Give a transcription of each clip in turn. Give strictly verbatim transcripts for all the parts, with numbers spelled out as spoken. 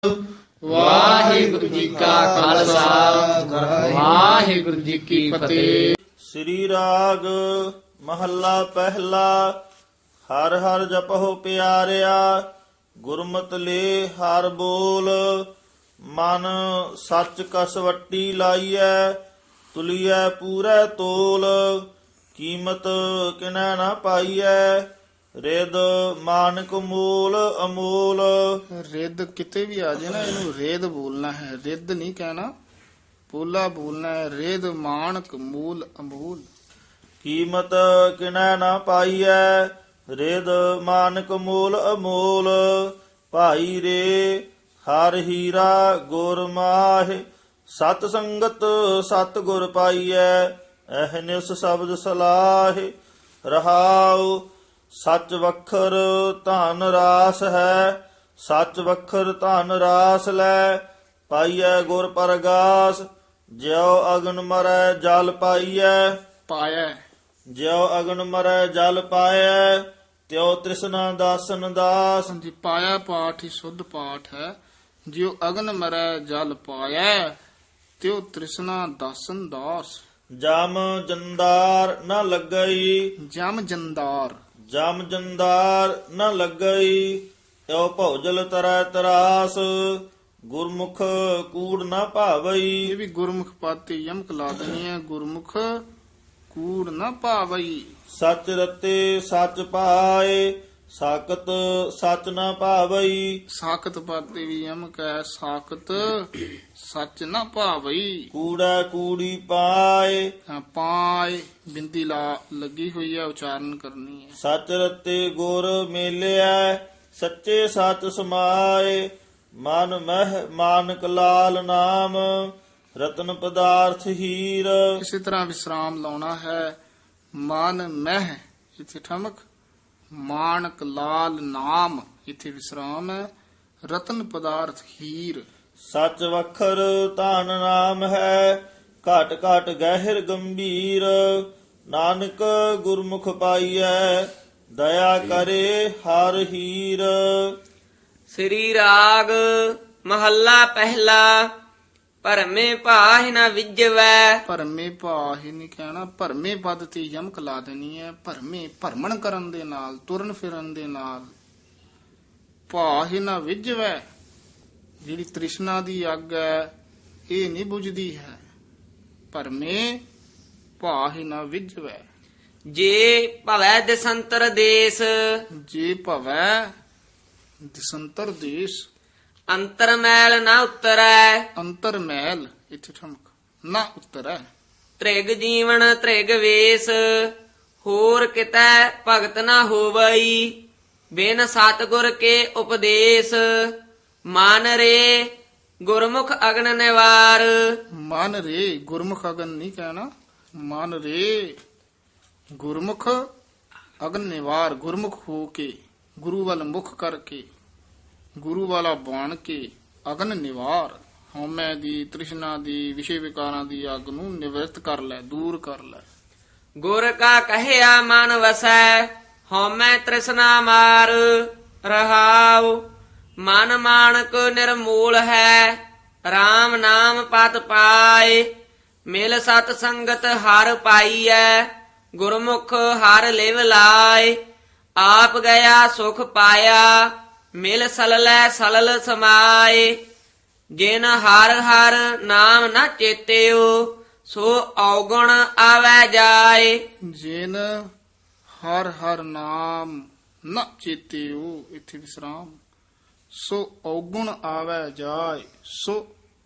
ਵਾਹਿਗੁਰੂ ਜੀ ਕਾ ਖਾਲਸਾ ਵਾਹਿਗੁਰੂ ਜੀ ਕੀ ਫਤਿਹ। ਸ੍ਰੀ ਰਾਗ ਮਹੱਲਾ ਪਹਿਲਾ। ਹਰ ਹਰ ਜਪਹੁ ਪਿਆਰਿਆ, ਗੁਰਮਤਿ ਲੇ ਹਰ ਬੋਲ। ਮਨ ਸੱਚ ਕਸਵੱਟੀ ਲਾਈਐ, ਤੁਲੀਐ ਪੂਰੈ ਤੋਲ। ਕੀਮਤ ਕਿਨੈ ਨਾ ਪਾਈਐ, ਰਿਦ ਮਾਨਕ ਮੂਲ ਅਮੂਲ। ਰਿੱਧ ਕਿਤੇ ਵੀ ਆ ਜਾਏ ਨਾ, ਇਹਨੂੰ ਰੇਦ ਬੋਲਣਾ ਹੈ, ਰਿੱਧ ਨਹੀਂ ਕਹਿਣਾ, ਪੋਲਾ ਬੋਲਣਾ ਹੈ। ਰਿੱਧ ਮਾਨਕ ਮੂਲ ਅਮੂਲ। ਕੀਮਤ ਕਿਨੈ ਨਾ ਪਾਈਐ, ਰਿਦ ਮਾਨਕ ਮੂਲ ਅਮੂਲ। ਭਾਈ ਰੇ ਹਰ ਹੀਰਾ ਗੁਰ ਮਾਹਿ, ਸਤ ਸੰਗਤ ਸਤ ਗੁਰ ਪਾਈਐ। ਅਹਨਿਸ ਸ਼ਬਦ ਸਲਾਹਿ ਰਹਾਉ, ਸੱਚ ਵਖਰ ਧਨ ਰਾਸ ਹੈ। ਸੱਚ ਵਖਰ ਧਨ ਰਾਸ ਲੈ, ਪਾਈਐ ਗੁਰ ਪਰਗਾਸ। ਜਿਉ ਅਗਨ ਮਰੈ ਜਲ ਪਾਈਐ, ਪਾਇਆ ਜਿਉ ਅਗਨ ਮਰੈ ਜਲ ਪਾਇਐ। ਤਿਉ ਤ੍ਰਿਸ਼ਨਾ ਦਾਸਨ ਦਾਸ। ਜੀ ਪਾਇਆ ਪਾਠ ਹੀ ਸੁੱਧ ਪਾਠ ਹੈ। ਜਿਉ ਅਗਨ ਮਰੈ ਜਲ ਪਾਇਆ, ਤਿਉ ਤ੍ਰਿਸ਼ਨਾ ਦਾਸਨ ਦਾਸ। ਜਮ ਜੰਦਾਰ ਨ ਲੱਗਈ, ਜਮ ਜੰਦਾਰ ਜਮ ਜੰਦਾਰ ਨ ਲੱਗਈ। ਤਿਉ ਭੌਜਲ ਤਰੈ ਤਰਾਸ, ਗੁਰਮੁਖ ਕੂੜ ਨ ਭਾਵਈ। ਇਹ ਵੀ ਗੁਰਮੁਖ ਪਾਤੀ ਯਮਕ ਲਾ ਦੇਣੀ ਹੈ। ਗੁਰਮੁਖ ਕੂੜ ਨਾ ਭਾਵਈ। ਸੱਚ ਰਤੇ ਸੱਚ ਪਾਏ, ਸਾਕਤ ਸੱਚ ਨ ਭਾਵਈ। ਸਾਖਤ ਪਾਤੀ ਵੀ ਯਮਕ ਹੈ। ਸਾਖਤ ਸੱਚ ਨਾ ਭਾਵਈ। ਕੂੜਾ ਕੂੜੀ ਪਾਏ, ਹਾਂ, ਪਾਏ ਬਿੰਦੀ ਲਾ ਲੱਗੀ ਹੋਈ ਹੈ, ਉਚਾਰਨ ਕਰਨੀ ਹੈ। ਸੱਚ ਰਤੇ ਗੁਰ ਮੇਲਿਆ, ਸੱਚੇ ਸੱਚ ਸਮਾਏ। ਮਨ ਮਹਿ ਮਾਨਕ ਲਾਲ ਨਾਮ, ਰਤਨ ਪਦਾਰਥ ਹੀਰ। ਇਸੇ ਤਰ੍ਹਾਂ ਵਿਸਰਾਮ ਲਾਉਣਾ ਹੈ। ਮਨ ਮਹਿ ਇੱਥੇ ਠਮਕ, ਮਾਨਕ ਲਾਲ ਨਾਮ ਇੱਥੇ ਵਿਸਰਾਮ ਹੈ। ਰਤਨ ਪਦਾਰਥ ਹੀਰ। ਸੱਚ ਵਖਰ ਧਨ ਨਾਮ ਹੈ, ਘਟ ਘਟ ਗਹਿਰ ਗੰਭੀਰ। ਨਾਨਕ ਗੁਰਮੁਖ ਪਾਈਐ, ਦਇਆ ਕਰੇ ਹਰ ਹੀਰ। ਸ੍ਰੀ ਰਾਗ ਮਹੱਲਾ ਪਹਿਲਾ। ਭਰਮੇ ਭਾਹਿ ਨ ਵਿਜਵੈ, ਭਰਮੇ ਭਾਹਿ ਨਹੀਂ ਕਹਿਣਾ, ਭਰਮੇ ਪਦ ਤੇ ਯਮਕ ਲਾ ਦੇਣੀ ਹੈ। ਭਰਮੇ ਭਰਮਣ ਕਰਨ ਦੇ ਨਾਲ, ਤੁਰਨ ਫਿਰਨ ਦੇ ਨਾਲ। ਭਾਹਿ ਨ ਵਿਜਵੈ, ਜਿਹੜੀ ਤ੍ਰਿਸ਼ਨਾ ਦੀ ਅੱਗ ਹੈ ਇਹ ਨਹੀਂ ਬੁਝਦੀ ਹੈ। ਭਰਮੇ ਭਾਹਿ ਨ ਵਿਜਵੈ। ਜੇ ਭਵੈ ਦਸੰਤਰ ਦੇਸ, ਜੇ ਭਵੈ ਦਿਸੰਤਰ ਦੇਸ। ਅੰਤਰ ਮੈਲ ਨ ਉਤਰੈ, ਅੰਤਰ ਮੈਲ ਇੱਥੇ ਠਮਕ, ਨਾ ਉਤਰੈ। ਤ੍ਰਿਗ ਜੀਵਨ ਤ੍ਰਿਗ ਵੇਸ, ਹੋਰ ਕਿਤੈ ਭਗਤ ਨ ਹੋਵਈ। ਬਿਨ ਸਤਿਗੁਰ ਕੇ ਉਪਦੇਸ਼, ਮਨ ਰੇ ਗੁਰਮੁਖ ਅਗਨ ਨਿਵਾਰ। ਮਨ ਰੇ ਗੁਰਮੁਖ ਅਗਨ ਨਹੀਂ ਕਹਿਣਾ, ਮਨ ਰੇ ਗੁਰਮੁਖ ਅਗਨ ਨਿਵਾਰ। ਗੁਰਮੁਖ ਹੋ ਕੇ, ਗੁਰੂ ਵੱਲ ਮੁਖ ਕਰਕੇ, ਗੁਰੂ ਵਾਲਾ ਬਣ ਕੇ ਅਗਨ ਨਿਵਾਰ। ਹਉਮੈ ਦੀ, ਤ੍ਰਿਸ਼ਨਾ ਦੀ, ਵਿਸ਼ੇ ਵਿਕਾਰਾਂ ਦੀ ਅੱਗ ਨੂੰ ਨਿਵਰਤ ਕਰ ਲੈ, ਦੂਰ ਕਰ ਲੈ। ਗੁਰ ਕਾ ਕਹਿਆ ਮਨ ਵਸੈ, ਹਉਮੈ ਤ੍ਰਿਸ਼ਨਾ ਮਾਰ। ਰਹਾਉ ਮਨ ਮਾਨਕ ਨਿਰਮੂਲ ਹੈ, RAM ਨਾਮ ਪਤ ਪਾਏ। ਮਿਲ ਸਤ ਸੰਗਤ ਹਰ ਪਾਈਐ, ਗੁਰਮੁਖ ਹਰ ਲਿਵ ਲਾਏ। ਆਪ ਗਿਆ ਸੁਖ ਪਾਇਆ, ਮਿਲ ਸਲਲੈ ਸਲਲ ਸਮਾਏ। ਜਿਨ ਹਰ ਹਰ ਨਾਮ ਨ ਚੇਤਿਓ, ਸੋ ਔਗੁਣ ਆਵੈ ਜਾਏ। ਜਿਨ ਹਰ ਹਰ ਨਾਮ ਨ ਚੇਤਿਓ, ਇੱਥੇ ਵਿਸਰਾਮ। ਸੋ ਔਗੁਣ ਆਵੈ ਜਾਏ। ਸੋ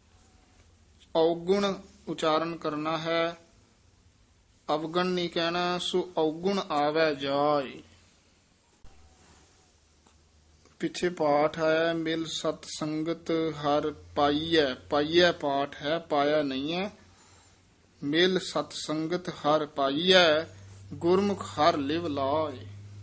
ਔਗੁਣ ਉਚਾਰਨ ਕਰਨਾ ਹੈ, ਅਵਗਣ ਨਹੀਂ ਕਹਿਣਾ। ਸੋ ਔਗੁਣ ਆਵੈ ਜਾਏ। ਪਿੱਛੇ ਪਾਠ ਹੈ, ਮਿਲ ਸਤ ਸੰਗਤ ਹਰ ਪਾਈਐ। ਪਾਈਐ ਪਾਠ ਹੈ, ਪਾਇਆ ਨਹੀਂ ਹੈ। ਮਿਲ ਸਤ ਸੰਗਤ ਹਰ ਪਾਈਐ, ਗੁਰਮੁਖ ਹਰ ਲਿਵ ਲਾਏ।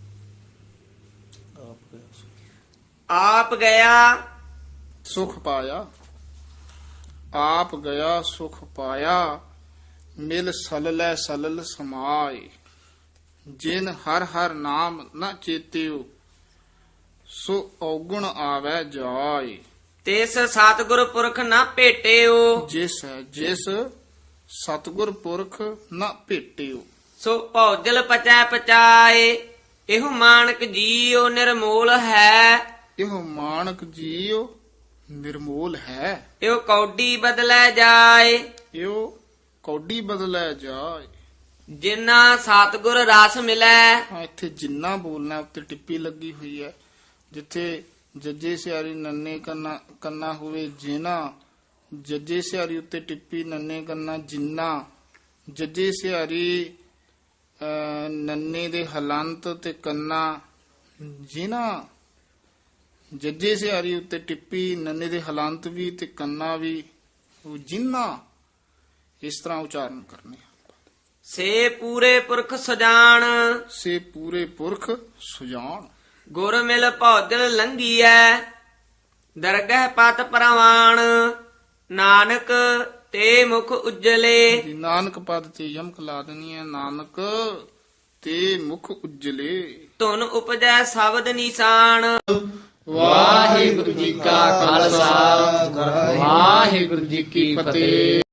ਆਪ ਗਿਆ ਸੁਖ ਪਾਇਆ, ਆਪ ਗਿਆ ਸੁਖ ਪਾਇਆ। ਮਿਲ ਸਲਲੈ ਸਲਲ ਸਮਾਏ। ਜਿਨ ਹਰ ਹਰ ਨਾਮ ਨ ਚੇਤਿਓ, ਸੋ ਔਗੁਣ ਆਵੈ ਜਾਏ। ਤਿਸ ਸਤਿਗੁਰ ਪੁਰਖ ਨਾ ਭੇਟਿਓ ਜਿਸ ਹੈ ਜਿਸ ਸਤਿਗੁਰ ਪੁਰਖ ਨਾ ਭੇਟਿਓ। ਸੋ ਭੌਜਲ ਪਚੈ ਪਚਾਏ ਇਹੋ ਮਾਨਕ ਜੀਉ ਨਿਰਮੋਲ ਹੈ। ਇਹੋ ਮਾਨਕ ਜੀਉ ਨਿਰਮੋਲ ਹੈ। ਇਹੋ ਕੌਡੀ ਬਦਲੈ ਜਾਏ ਇਹੋ ਕੌਡੀ ਬਦਲੈ ਜਾਏ। ਜਿਨਾ ਸਤਿਗੁਰ ਰਸ ਮਿਲੈ। ਹਾਂ, ਇੱਥੇ ਜਿੰਨਾ ਬੋਲਣਾ ਉੱਤੇ ਟਿੱਪੀ ਲੱਗੀ ਹੋਈ ਹੈ। ਜਿੱਥੇ ਜੱਜੇ ਸਿਆਰੀ ਨੰਨੇ ਕੰਨਾ ਕੰਨਾ ਹੋਵੇ ਜਿਨਾ, ਜੱਜੇ ਸਿਆਰੀ ਉੱਤੇ ਟਿੱਪੀ ਨੰਨੇ ਕੰਨਾ ਜਿੰਨਾ, ਜੱਜੇ ਸਿਆਰੀ ਅਹ, ਨੰਨੇ ਦੇ ਹਲੰਤ ਤੇ ਕੰਨਾ ਜਿਨਾ, ਜੱਜੇ ਸਿਆਰੀ ਉੱਤੇ ਟਿੱਪੀ ਨੰਨੇ ਦੇ ਹਲੰਤ ਵੀ ਤੇ ਕੰਨਾ ਵੀ, ਉਹ ਜਿੰਨਾ, ਇਸ ਤਰ੍ਹਾਂ ਉਚਾਰਨ ਕਰਨੇ। ਸੇ ਪੂਰੇ ਪੁਰਖ ਸਜਾਨ ਸੇ ਪੂਰੇ ਪੁਰਖ ਸੁਜਾਨ। ਗੁਰ ਮਿਲ ਭੌਜਲ ਲੰਘੀਐ ਦਰਗਹਿ ਪਤ ਪ੍ਰਵਾਨ। ਨਾਨਕ ਤੇ ਮੁਖ ਉਜਲੇ ਦੀ ਨਾਨਕ ਪਦ ਤੇ ਯਮਕ ਲਾ ਦੇਣੀ ਹੈ। ਨਾਨਕ ਤੇ ਮੁਖ ਉਜਲੇ। ਧੁਨ ਉਪਜੈ ਸ਼ਬਦ ਨਿਸ਼ਾਨ। ਵਾਹਿਗੁਰੂ ਜੀ ਕਾ ਖਾਲਸਾ ਵਾਹਿਗੁਰੂ ਜੀ ਕੀ ਫਤਿਹ।